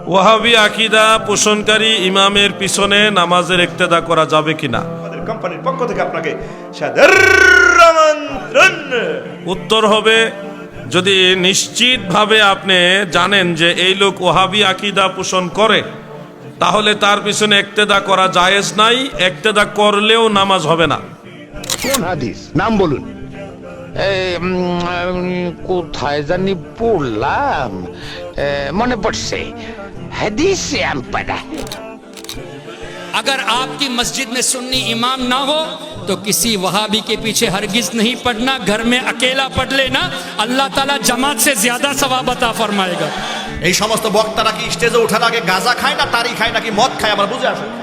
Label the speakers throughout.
Speaker 1: ওয়াহাবি আকীদা পোষণকারী ইমামের পিছনে নামাজের ইক্তেদা করা যাবে কিনা?
Speaker 2: আমাদের কোম্পানির পক্ষ থেকে আপনাকে সাদর আমন্ত্রণ।
Speaker 1: উত্তর হবে, যদি নিশ্চিতভাবে আপনি জানেন যে এই লোক ওয়াহাবি আকীদা পোষণ করে, তাহলে তার পিছনে ইক্তেদা করা জায়েজ নাই। ইক্তেদা করলেও নামাজ হবে না।
Speaker 3: কোন হাদিস নাম বলুন? কোথায় জানি পড়লাম, মনে পড়ছে, হাদিসে আমি পড়া।
Speaker 4: अगर आपकी मस्जिद में सुन्नी इमाम ना हो तो किसी वहाबी के पीछे हरगिज नहीं पढ़ना, घर में अकेला पढ़ लेना, अल्लाह ताला जमात से ज्यादा सवाब अता फरमाएगा।
Speaker 2: এই সমস্ত বক্তারা কি স্টেজে ওঠার আগে গাঁজা খায় না তারি খায় নাকি মদ খায় আমার বুঝে আসে।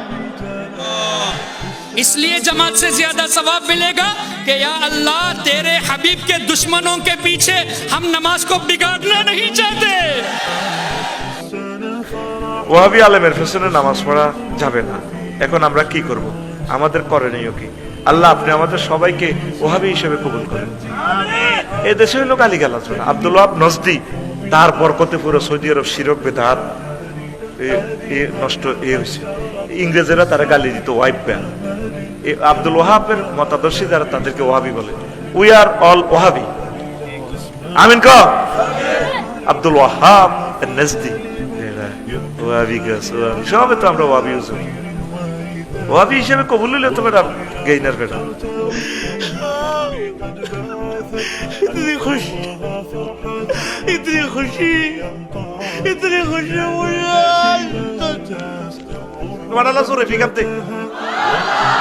Speaker 4: इसलिए जमात से ज्यादा सवाब मिलेगा कि या अल्लाह तेरे हबीब के दुश्मनों के पीछे हम नमाज को बिगाड़ना नहीं चाहते।
Speaker 2: ওয়াহাবি আলেমের পেছনে নামাজ পড়া যাবে না। এখন আমরা কি করব? আমাদের করণীয় কি? আল্লাহ আপনি আমাদের সবাইকে ওয়াহাবি হিসেবে কবুল করেন। এ দেশে হইল গালিগালাজ না। আব্দুল ওয়াহাব নজদি, তার বরকতে পুরো সৌদি আরব শিরক বেদাত নষ্ট হয়েছে। ইংরেজেরা তারা গালি দিত ওয়াইব ব্যান। আব্দুল ওয়াহাবের মতাদর্শী যারা তাদেরকে ওয়াহাবি বলে। We are all Wahhabi. Amin ক আব্দুল ওয়াহাব নজদি ওয়াহাবি গাছ সবে তো আমরা ওয়াহাবি ওয়াহাবি হিসেবে কবুল হইলে তো ম্যাডাম গেইনার ম্যাডাম। इतनी खुशी, इतनी खुशी, इतनी खुशी मुझे। तुम्हारा ला सुरे फिर कब तक